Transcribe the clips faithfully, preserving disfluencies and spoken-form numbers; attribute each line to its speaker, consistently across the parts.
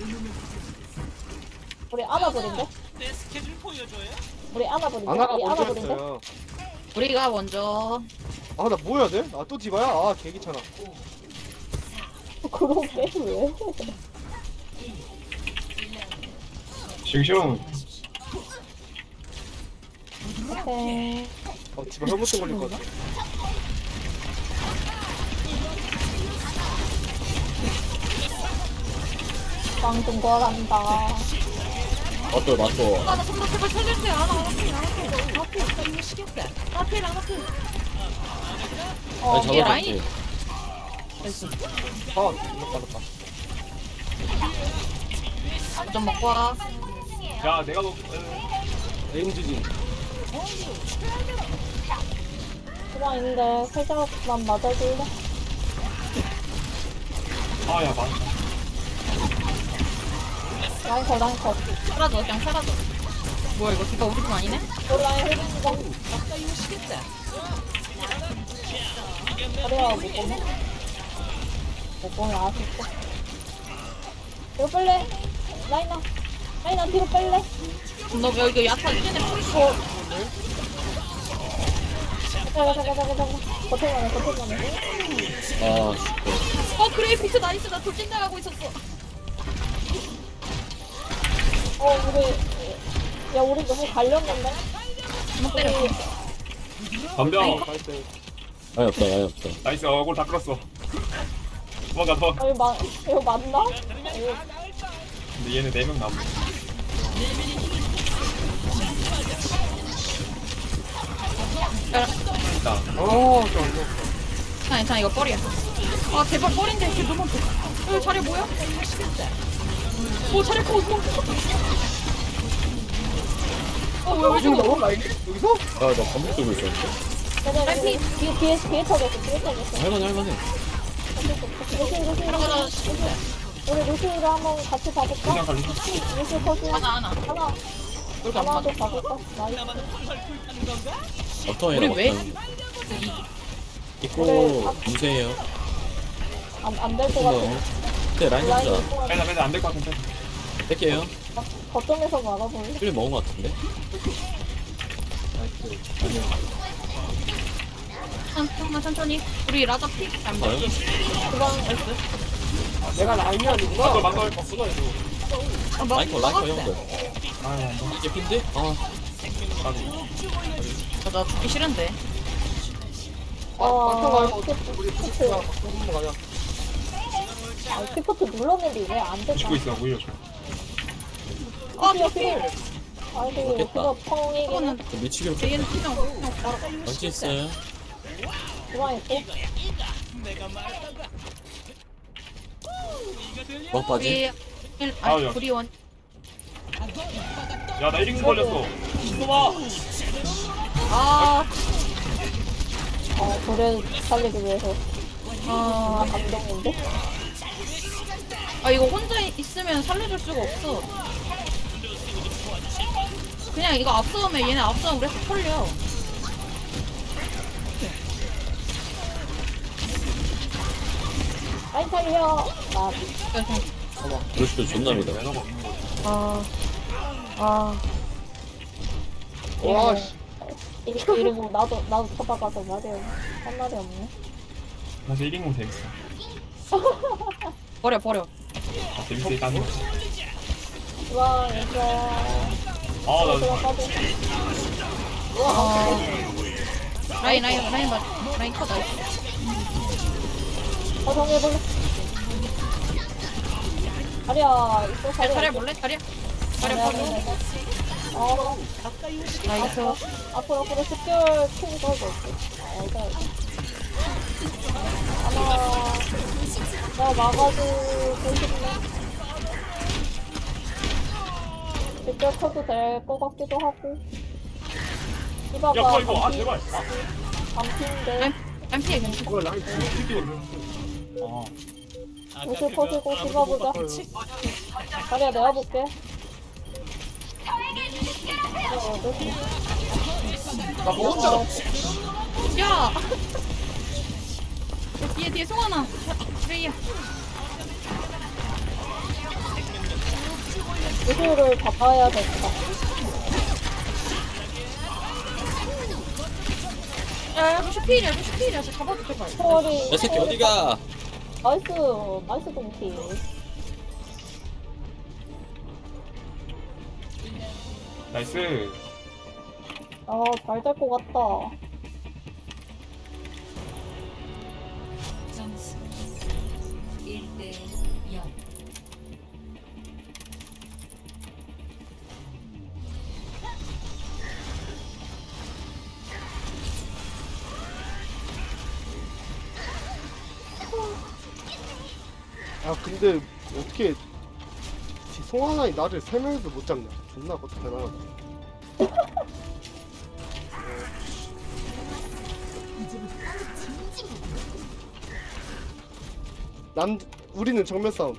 Speaker 1: 우리 안아버린데?
Speaker 2: 내 스케줄 보여줘요?
Speaker 1: 우리 안아버린데?
Speaker 3: 아나가
Speaker 1: 우리
Speaker 3: 먼저
Speaker 1: 안아버린데?
Speaker 3: 했어요.
Speaker 4: 우리가 먼저.
Speaker 3: 아 나 뭐 해야 돼? 아 또 디바야? 아 개귀찮아.
Speaker 1: 그러게 왜?
Speaker 5: 싱싱.
Speaker 1: 오케이.
Speaker 3: 어 디바 혈무증 걸릴 것 같아.
Speaker 1: 방금 거란다.
Speaker 6: 맞돌 맞돌.
Speaker 4: 아, 나 정말 제발 살려주세요. 안 와, 안 앞에, 안 앞에. 앞에, 안 앞에, 안 앞에.
Speaker 1: 어,
Speaker 6: 아니
Speaker 4: 이게
Speaker 6: 잡았지.
Speaker 4: 라인이-
Speaker 3: 아 이거 빠졌다.
Speaker 4: 좀 먹고 와.
Speaker 5: 야 내가 너
Speaker 3: 에임즈진.
Speaker 1: 수방 있는데 살짝만 맞아줄래?
Speaker 5: 아야 맞다.
Speaker 1: 라인 컷, 라인 컷.
Speaker 4: 사라져, 그냥 사라져. 뭐야, 이거 디바 우리 팀 아니네?
Speaker 1: 또 라인 해주는 거. 그래야 못 보면. 못 보면 아쉽고. 뒤로 뺄래? 라인아. 라인아, 뒤로 뺄래?
Speaker 4: 너 여기 야타 이제는 뿌리고.
Speaker 1: 어. 잠깐, 잠깐, 잠깐, 잠깐. 버텨만해, 버텨만해.
Speaker 6: 아 죽고.
Speaker 4: 어, 그레이피스 나이스. 나 돌진 나가고 있었어.
Speaker 1: 어, 우리. 야, 우리 너무 갈렸는데?
Speaker 4: 못 때려.
Speaker 5: 덤벼.
Speaker 3: 나이스.
Speaker 6: 아예 없다 아예 없다.
Speaker 5: 나이스 얼굴 다 끌었어. 도망가 도망가.
Speaker 1: 아, 이거, 마, 이거 맞나? 이거
Speaker 5: 근데 얘네 네 명 남아. 있다.
Speaker 3: 어 좀.
Speaker 4: 괜찮아, 괜찮아. 이거 뻘이야. 아, 제발 뻘인데. 이게 너무. 어, 자리 뭐야? 오, 자리 커. 뭐. 어, 왜, 왜 죽어?
Speaker 3: 너무 라인? 여기서?
Speaker 6: 아나 반복 들고 있었는데.
Speaker 1: 네네, 뒤에, 뒤에, 뒤에, 뒤에 터졌어, 뒤에 터졌어.
Speaker 6: 할만해 할만해.
Speaker 1: 루시, 루시,
Speaker 4: 들어가자.
Speaker 1: 루시. 우리 루시로 한번 같이 봐볼까?
Speaker 5: 그냥 갈리.
Speaker 1: 루시 커즈.
Speaker 4: 하나, 하나.
Speaker 1: 하나, 하나도 봐볼까? 나이스.
Speaker 6: 어떤
Speaker 4: 우리
Speaker 6: 애랑
Speaker 4: 왜?
Speaker 6: 어떤. 있고 무세해요.
Speaker 1: 안, 안 될 것
Speaker 6: 이거.
Speaker 1: 같아.
Speaker 6: 네 라인
Speaker 1: 라인
Speaker 6: 잡자.
Speaker 1: 있고,
Speaker 5: 빼자 빼자 안될 것 같은데.
Speaker 6: 뺄게요.
Speaker 1: 거점에서 막아볼래?
Speaker 6: 필 먹은 것 같은데.
Speaker 4: 천천히, 천천히. 우리 라자 픽. 안
Speaker 6: 봐요.
Speaker 4: 돼.
Speaker 1: 그만,
Speaker 3: 내가 라인이 아니구나.
Speaker 5: 막걸 막걸.
Speaker 3: 바꾸다 이거.
Speaker 4: 아, 막-
Speaker 6: 라이커 라이커
Speaker 4: 막았대.
Speaker 6: 형들.
Speaker 5: 아유 안 돼.
Speaker 6: 이게 핀데? 아
Speaker 4: 아, 나 죽기 싫은데.
Speaker 1: 어,
Speaker 3: 막상 말고
Speaker 1: 스포트,
Speaker 3: 우리
Speaker 1: 스포트.
Speaker 3: 부스트야. 바꾸는 거 가자.
Speaker 1: 아, 스포트 눌렀는데 왜 안 됐다?
Speaker 5: 죽고 있어 오히려.
Speaker 4: 아,
Speaker 1: 피어,
Speaker 4: 피
Speaker 1: 피어. 아이고,
Speaker 6: 좋겠다.
Speaker 1: 그거 펑이긴 해.
Speaker 4: 이거는
Speaker 6: 미치기로
Speaker 4: 얘는 그냥 그냥 바로
Speaker 6: 망치 있어요.
Speaker 1: 좋아했고.
Speaker 6: 막 빠지.
Speaker 4: 우리 일-
Speaker 5: 아우,
Speaker 4: 아니
Speaker 5: 야.
Speaker 4: 우리 원
Speaker 5: 야나 일 인공 걸렸어. 신놈아.
Speaker 4: 아,
Speaker 1: 어, 저를 살리기 위해서.
Speaker 4: 아,
Speaker 1: 감동인데?
Speaker 4: 아 이거 혼자 있으면 살려줄 수가 없어. 그냥 이거 앞서면 얘네 앞서면 우리 다 털려.
Speaker 1: 아이, 살려. 나,
Speaker 4: 그래서
Speaker 6: 그럴수도 존나 믿어.
Speaker 5: 매너가 없는 거지.
Speaker 1: 아, 아.
Speaker 3: 와 씨.
Speaker 1: 이- 이러고 나도, 나도 쳐다봐서 말이, 한 말이 없네.
Speaker 5: 사실 일 인공 재밌어.
Speaker 4: 버려 버려.
Speaker 5: 아, 재밌어 일단.
Speaker 1: 와, 이거.
Speaker 5: 아나
Speaker 1: 들어가도.
Speaker 4: 아, 라인 라인 라인 맞 라인 컷 나이스.
Speaker 1: 어, 정해볼래? 자리야, 있어, 자리야.
Speaker 4: 자리 볼래? 자리야. 자리
Speaker 1: 자리야,
Speaker 4: 버려.
Speaker 1: 자리야. 어,
Speaker 4: 나이스.
Speaker 1: 앞으로, 앞으로 습결 킹 걸고 있어. 아, 이거. 하나, 내가 막아주고 싶네. 습결 커도 될 것 같기도 하고.
Speaker 5: 야
Speaker 1: 이봐봐,
Speaker 5: 그거 이거 아
Speaker 1: 반피,
Speaker 5: 제발.
Speaker 1: 반피인데.
Speaker 4: 라인 라인 피해 괜찮아.
Speaker 3: 이거 라인
Speaker 5: 아
Speaker 1: 옷을 퍼지고 씹어보자. 자리야, 내가 볼게. 어, 어디?
Speaker 3: 나 혼자.
Speaker 1: 어,
Speaker 4: 야. 뒤에 뒤에 송하나. 레이야.
Speaker 1: 구슬을 잡아야 될까?
Speaker 4: 야, 야, 루시 피일이야, 루시 피일이야. 저 잡아도 제발.
Speaker 1: 초월이.
Speaker 6: 야 새끼 어디가?
Speaker 1: 나이스, 나이스 동키.
Speaker 5: 나이스.
Speaker 1: 아, 잘 될 것 같다.
Speaker 2: 점수 일 대 영.
Speaker 3: 아 근데 어떻게 송하나이 나를 세 명에서 못 잡냐? 존나 그것도 대단하다. 난 우리는 정면 싸움.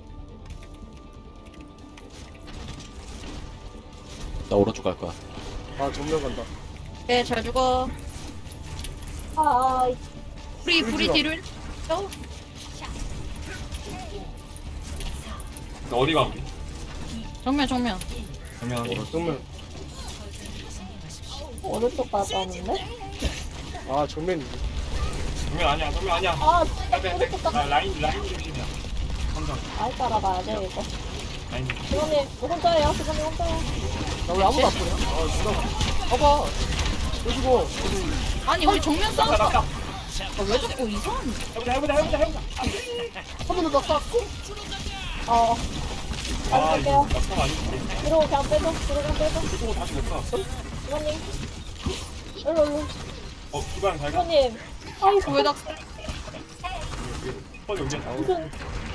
Speaker 6: 나 오른쪽 갈 거야.
Speaker 3: 아 정면 간다.
Speaker 4: 네, 잘 죽어.
Speaker 1: 아, 이-
Speaker 4: 우리, 우리
Speaker 3: 울지마.
Speaker 4: 뒤를. 어?
Speaker 5: 어디가 우리?
Speaker 4: 정면, 정면.
Speaker 5: 그러면
Speaker 3: 정면.
Speaker 1: 오른쪽 가자는데?
Speaker 3: 아 정면이지.
Speaker 5: 정면 아니야, 정면 아니야.
Speaker 1: 아,
Speaker 5: 빼, 빼, 빼.
Speaker 1: 오른쪽 가.
Speaker 5: 아, 라인 라인 중심이야. 항상
Speaker 1: 많이 따라가야 돼, 이거.
Speaker 5: 라인.
Speaker 1: 수건님, 혼자예요? 수건님 혼자예요?
Speaker 3: 나 왜 아무도 안 보냐? 아 누가? 봐봐. 여기고.
Speaker 4: 아니, 우리 정면 싸움.
Speaker 5: 낙사, 낙사.
Speaker 4: 아, 왜 자꾸 이상한.
Speaker 5: 해보자, 해보자, 해보자, 해보자.
Speaker 3: 한 번도 나 쐈고.
Speaker 1: 어,
Speaker 5: 아,
Speaker 1: 갈게요.
Speaker 5: 이거 낙사가 아니지.
Speaker 1: 뒤로 그냥 빼줘, 뒤로 그냥 빼줘.
Speaker 5: 또 다시 못 살았어.
Speaker 1: 수건님. 일로, 일로.
Speaker 5: 어, 기반 잘 가.
Speaker 1: 수건님. 아이고,
Speaker 4: 왜 나.
Speaker 5: 빨리 여기 나오고.
Speaker 1: 무슨.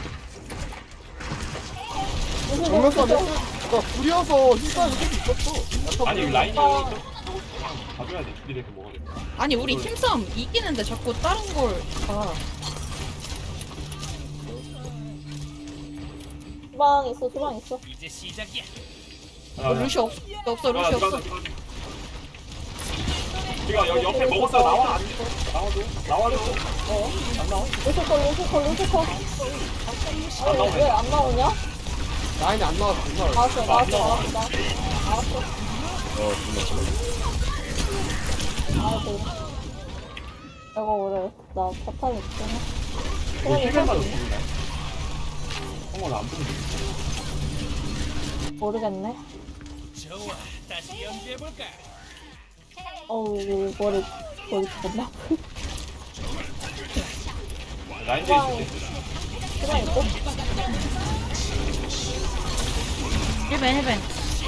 Speaker 1: 무슨.
Speaker 3: 정면 싸움.
Speaker 1: 무슨-
Speaker 3: 나 불이어서 힘싸움이 계속 있었어. 약간
Speaker 5: 아니,
Speaker 3: 불이-
Speaker 5: 라인이
Speaker 1: 아.
Speaker 5: 봐줘야 돼. 둘이 이렇게 먹어야 돼.
Speaker 4: 아니, 우리 팀싸움 이기는데 자꾸 다른 걸. 아.
Speaker 1: 주방 있어, 주방 있어.
Speaker 5: 아,
Speaker 4: 어, 루시 없, 없어, 루시 없어.
Speaker 5: 이거 여기 옆에 먹었어. 나와. 안 돼. 나와줘. 나와줘. 어? 안 나와?
Speaker 1: 루시콜, 루시콜, 루시콜. 아니,
Speaker 5: 나오네.
Speaker 1: 왜 안 나오냐?
Speaker 3: 라인이 안 나왔어. 안 나왔어.
Speaker 1: 알았어,
Speaker 5: 안
Speaker 1: 알았어,
Speaker 5: 나와.
Speaker 1: 알았어. 알았어.
Speaker 6: 어 존나
Speaker 1: 알았어. 이거 우리, 나 포탑 있잖아.
Speaker 5: 너 힐맨
Speaker 1: 그러니까
Speaker 5: 맞았어. 어머, 나안 보는데.
Speaker 1: 모르겠네. 어우, 머리, 머리 존나.
Speaker 5: 라인 제이 있을 때.
Speaker 1: 주방 있고.
Speaker 4: 힐벤, 힐벤.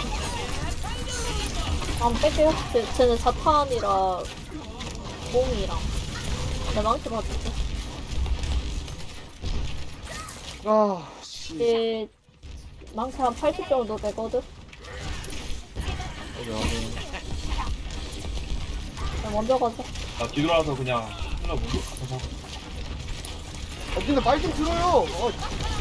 Speaker 1: 안 뺄게요. 쟤, 쟤는 자탄이라 몽이랑 내 망치 받을게.
Speaker 3: 아 씨.
Speaker 1: 얘 망치 한 팔십 정도 되거든.
Speaker 6: 여기.
Speaker 1: 나 먼저 가자.
Speaker 5: 나 뒤돌아서 그냥 하나 문도 가서
Speaker 3: 아, 근데 말 좀 들어요. 어,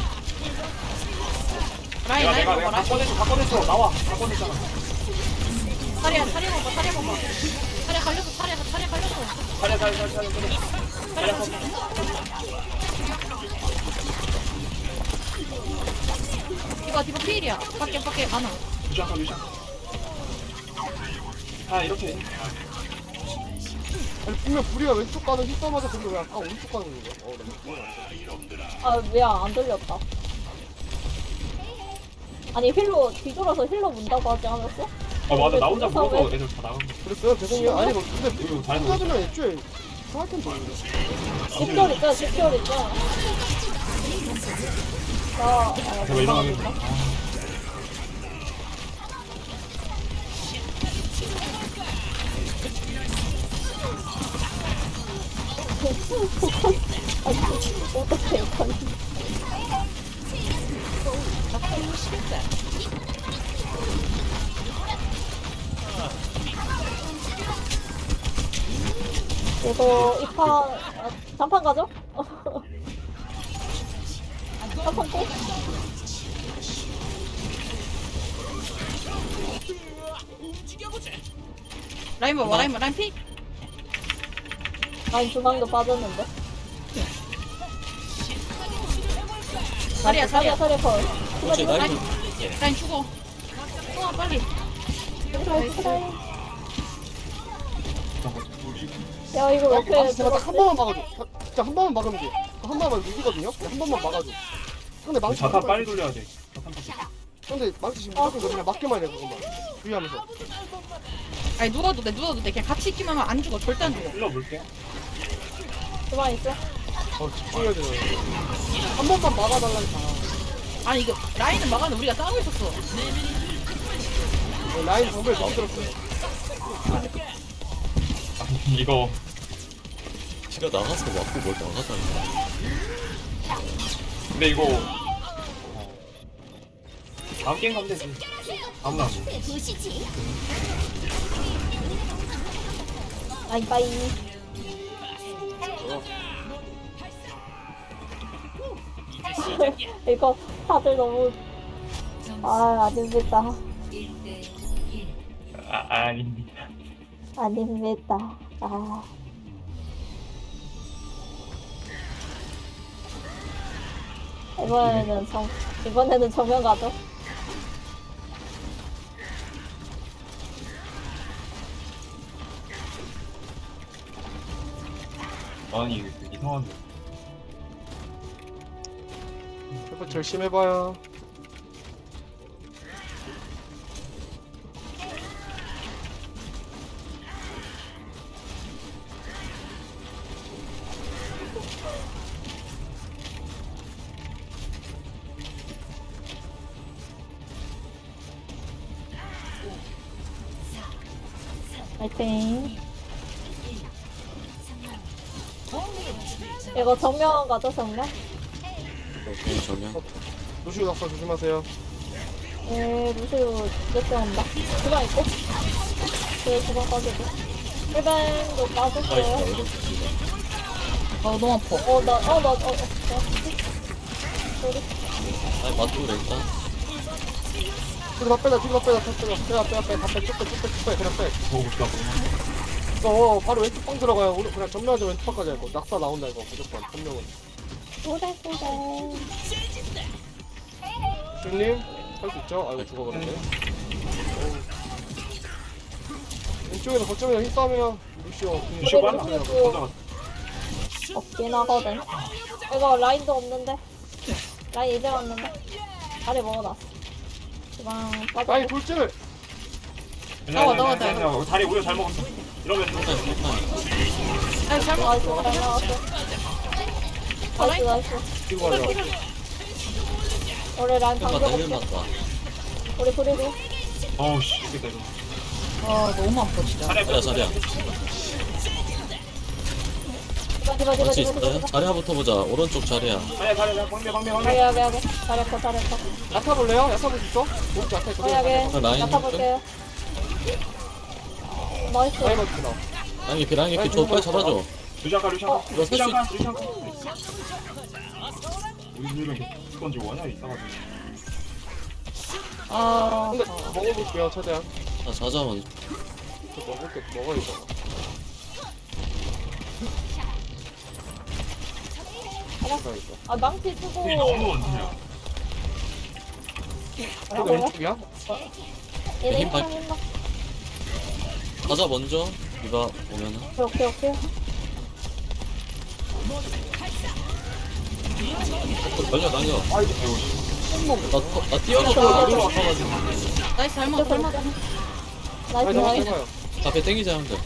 Speaker 4: 라인,
Speaker 5: 내가
Speaker 4: 라인
Speaker 5: 내가
Speaker 4: 먹어,
Speaker 5: 내가 다
Speaker 4: 라인.
Speaker 5: 꺼냈어 다 꺼냈어 나와 다 꺼냈잖아.
Speaker 4: 다리야, 다리 먹어, 다리 먹어. 다리 갈렸어, 다리, 다리 갈렸어.
Speaker 5: 자리야 자리야 자리야 자리야 자리야 서
Speaker 4: 이거 디바 피일이야. 밖에, 밖에 안 와.
Speaker 5: 유시한 거 유시한 아 이렇게
Speaker 3: 아니 분명 불이가 왼쪽 가는 힘싸마자 근데 왜 아까 오른쪽 가는 거야? 어, 나 이거
Speaker 1: 아 미안 안 들렸다. 아니 힐로 뒤돌아서 힐로 문다고 하지 않았어?
Speaker 5: 아 맞아 나 혼자
Speaker 1: 뒤돌아서
Speaker 5: 물어서
Speaker 1: 왜-
Speaker 5: 애들 다 나간 거
Speaker 3: 그랬어요? 죄송해요. 아니 뭐 근데
Speaker 5: 이거 잘해서
Speaker 3: 혼자주면 애초에 상할 텐데.
Speaker 1: 집결 있잖아 집결 있잖아. 나 아,
Speaker 5: 제가 일어나겠네.
Speaker 1: 아니 어떡해 이건. 이거 이판 아, 단판 가죠? 단판 꼭?
Speaker 4: 라인 먹어, 라인, 라인 피.
Speaker 1: 라인 주방도 빠졌는데.
Speaker 4: 다리야,
Speaker 1: 자리야
Speaker 4: 다리야.
Speaker 1: 자리야 걸.
Speaker 6: 그렇지
Speaker 1: 수면이
Speaker 6: 나이스.
Speaker 4: 라인,
Speaker 6: 밑에.
Speaker 4: 라인 죽어. 어 빨리.
Speaker 1: 나이스. 야 이거
Speaker 3: 야,
Speaker 1: 옆에
Speaker 3: 아, 제발 딱한 번만 막아줘. 자, 진짜 한 번만 막으면 돼. 한 번만 이기거든요. 한 번만 막아줘. 근데 망치
Speaker 5: 자탄
Speaker 3: 무조건-
Speaker 5: 빨리 돌려야 돼. 자탄 빨리.
Speaker 3: 근데 망치 지금 무조건 그냥 맞게만 해 그것만. 주의하면서.
Speaker 4: 아니 누워도 돼 누워도 돼. 그냥 같이 있기만 하면 안 죽어. 절대 안 죽어.
Speaker 5: 찔러볼게.
Speaker 1: 그만 있어.
Speaker 3: 어 집중해야 돼. 한 번만 막아달라니까.
Speaker 4: 아니 이거 라인은 막았는데 우리가 싸우고 있었어.
Speaker 3: 어, 라인 정말 못 들었어요.
Speaker 5: 아니 이거
Speaker 6: 지가 나가서 맞고 뭘 나가다니.
Speaker 5: 근데 이거 어. 다음 게임 가면 되지. 아무나 안 돼.
Speaker 1: 바이바이. 이거 다들 너무 아 아닙니다.
Speaker 2: 일 대 일.
Speaker 5: 아 아닙니다.
Speaker 1: 아닙니다. 아 이번에는 정 이번에는 정면 가죠.
Speaker 5: 아니 이거 이상한데.
Speaker 3: 해봐 열심히 해봐요.
Speaker 1: 파이팅. 이거 정면 가죠 정면?
Speaker 6: 오케이 정면.
Speaker 3: 루시우 낙사 조심하세요.
Speaker 1: 네 루시우 몇대 온다. 주방 있고. 그래 주방 빠지고. 일반도 빠졌어요.
Speaker 6: 나이스.
Speaker 4: 어 너무 아파.
Speaker 1: 어나어나어 어. 소리.
Speaker 6: 아니 맞고 그래 일단.
Speaker 3: 뒤로 다 빼자 뒤로 다 빼자 다 빼자 빼자 빼자 빼자 다 빼, 쭉 빼, 쭉 빼, 쭉 빼, 그냥 빼.
Speaker 5: 보고 싶다.
Speaker 3: 어, 바로 왼쪽 방 들어가요. 우리 그냥 전면하자 왼쪽 방까지 할 거. 낙사 나온다 이거 무조건 한 명은.
Speaker 1: 소래 소래.
Speaker 3: 주님 할 수 있죠? 아이고 죽어버렸네. 어우. 왼쪽에서 거점에서 힘싸면 루시오.
Speaker 5: 루시오 빨라.
Speaker 1: 루시오.
Speaker 5: 가져가.
Speaker 1: 없긴 하거든. 이거 라인도 없는데. 라인 이제 왔는데. 다리 먹어놨어. 주방 빠져.
Speaker 3: 아니 돌진을.
Speaker 4: 나와, 나와, 나와.
Speaker 5: 나와. 다리 우려 잘 먹었어. 이러면
Speaker 6: 일단 일단.
Speaker 4: 아니 잘못.
Speaker 1: 나이스 잘 나왔어. 나이스 나이스.
Speaker 3: 이거 가자.
Speaker 1: 우리 라인
Speaker 6: 힐 맞다 힐
Speaker 1: 방금
Speaker 6: 맞다.
Speaker 1: 우리 브리도.
Speaker 5: 어우 씨 이게 되죠.
Speaker 4: 아 너무 아파 진짜.
Speaker 5: 자리야
Speaker 6: 자리야 자리야.
Speaker 1: 디바 디바 디바
Speaker 6: 같이
Speaker 1: 디바
Speaker 6: 있어요?
Speaker 1: 디바.
Speaker 6: 자리야부터 보자. 오른쪽 자리야.
Speaker 5: 자리야 자리야 방면 방면 방면.
Speaker 1: 하게 하게 하게. 잘했어 잘했어.
Speaker 3: 야타 볼래요? 야타 볼 수 있어? 오른쪽 야타 있거든.
Speaker 1: 하게 하게.
Speaker 6: 라인
Speaker 1: 나타볼게요. 나이스.
Speaker 3: 라인 맞추다.
Speaker 6: 라인 개피 라인 개피 저 빨리 잡아줘.
Speaker 5: 루시아카 루시아카.
Speaker 6: 이거 살수
Speaker 5: 루시아카 루시아카. 우리 둘은 건지 원활히 있어가지고.
Speaker 4: 아
Speaker 3: 근데 먹어볼게요 최대한.
Speaker 6: 자 자자 먼저.
Speaker 3: 저 먹을게 먹어야죠. 알았어.
Speaker 1: 아 망치 쓰고.
Speaker 5: 근데 너무 원투야.
Speaker 3: 이거 왼쪽이야?
Speaker 1: 얘네
Speaker 6: 힘 발-
Speaker 1: 힘 힘나.
Speaker 6: 자자 먼저. 이거 오면은.
Speaker 1: 오케이 오케이.
Speaker 6: 날려 날려.
Speaker 3: 아 이거
Speaker 6: 나, 나 뛰어가서 우리로 아파가지고.
Speaker 4: 나이스 잘못 잘못.
Speaker 1: 나이스
Speaker 3: 아니 잠깐
Speaker 1: 나이스.
Speaker 3: 해봐요.
Speaker 6: 앞에 땡기자 형들.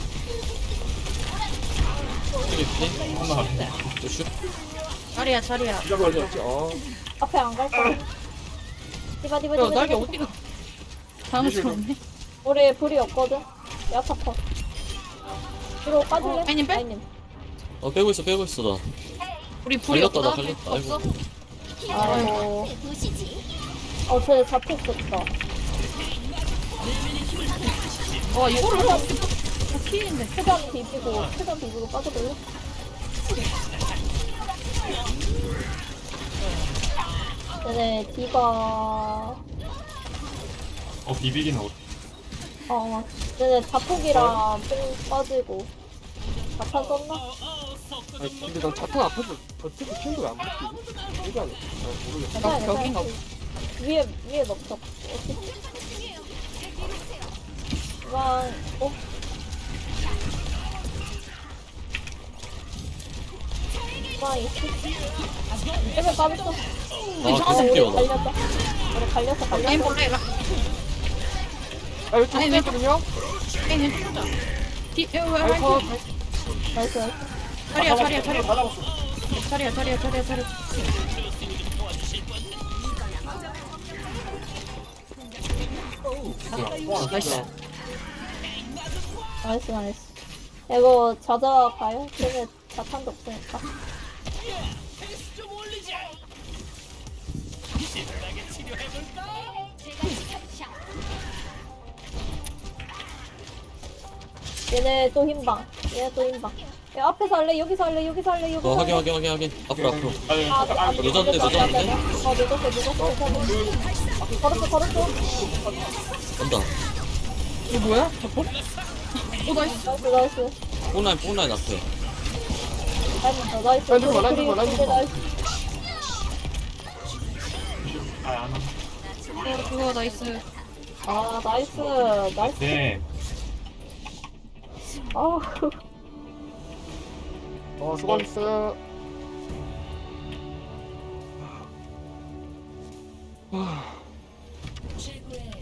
Speaker 6: 땡기
Speaker 5: 하나.
Speaker 6: 슛.
Speaker 4: 자리야 자리야.
Speaker 5: 루시아카 루시아카.
Speaker 3: 그렇지. 어.
Speaker 1: 앞에 안 갈 거야. 디바 디바
Speaker 4: 야
Speaker 1: 디바.
Speaker 4: 날개
Speaker 1: 디바.
Speaker 4: 어디가? 당황스럽네.
Speaker 1: 우리 불이 없거든. 야타 컷. 뒤로 빠질래?
Speaker 4: 어, 라인님 빼?
Speaker 1: 라인님.
Speaker 6: 어 빼고 있어 빼고 있어 나.
Speaker 4: 우리 불이
Speaker 6: 걸렸다, 나
Speaker 4: 없다.
Speaker 6: 걸렸다.
Speaker 4: 없어?
Speaker 6: 아이고.
Speaker 1: 아이고. 어, 쟤 잡혔었다.
Speaker 4: 와 이거를 다 피인데.
Speaker 1: 최대한 비비고, 최대한 비비고 빠져볼래? 얘네 디바.
Speaker 5: 어 비비기는 어때?
Speaker 1: 어, 얘네 자폭이랑 뽕 빠지고. 자탄 썼나?
Speaker 3: 아니 근데 난 자탄 앞에서 버티고 튀는 거왜안 버티지? 이게 아니야. 아, 모르겠어.
Speaker 1: 괜찮아,
Speaker 4: 벽인가
Speaker 1: 괜찮아. 위에 위에 넘쳐. 와, 어? 와, 이씨. 에메 빠졌어.
Speaker 6: 아 계속 뛰어나.
Speaker 1: 갈렸다. 우리 갈렸어,
Speaker 4: 라인
Speaker 1: 갈렸어.
Speaker 4: 볼래? 라-
Speaker 3: 아 이거 좀
Speaker 4: 아니, 왜-
Speaker 3: 세거든요.
Speaker 4: 라인 왼쪽 보자. 뒤, 어, 왜,
Speaker 3: 아이고.
Speaker 4: 라인
Speaker 1: 나이스, 나이스.
Speaker 4: 자리야, 자리야, 자리야.
Speaker 5: 다 잡았어.
Speaker 4: 자리야, 자리야, 자리야, 자리야. 나이스.
Speaker 1: 나이스, 나이스. 이거 자자 가요? 쟤네 자탄도 없으니까. 얘네 또 힘방. 얘네 또 힘방. 야, 앞에서 할래? 여기서 할래? 여기서 할래? 여기서
Speaker 6: 어
Speaker 1: 할래?
Speaker 6: 확인 확인 확인 확인. 앞으로 앞으로.
Speaker 5: 아니,
Speaker 1: 아,
Speaker 5: 잠깐,
Speaker 1: 아,
Speaker 5: 아니,
Speaker 6: 늦었네,
Speaker 1: 늦었어,
Speaker 6: 늦었네.
Speaker 1: 어, 늦었어, 늦었어, 늦었어. 걸었어, 걸었어.
Speaker 6: 간다.
Speaker 4: 이거 뭐야? 저거? 오, 나이스.
Speaker 1: 나이스, 나이스.
Speaker 6: 뽕라인 뽕라인 앞에.
Speaker 1: 나이스, 나이스.
Speaker 3: 라인 들고 와, 라인
Speaker 1: 그리고
Speaker 3: 들고 와, 라인
Speaker 1: 이제
Speaker 3: 들고 와.
Speaker 1: 나이스.
Speaker 5: 아, 안 와.
Speaker 4: 어, 그거 나이스.
Speaker 1: 아, 나이스. 나이스.
Speaker 5: 네.
Speaker 1: 아우.
Speaker 3: 어 수고하셨어요.
Speaker 2: 최고의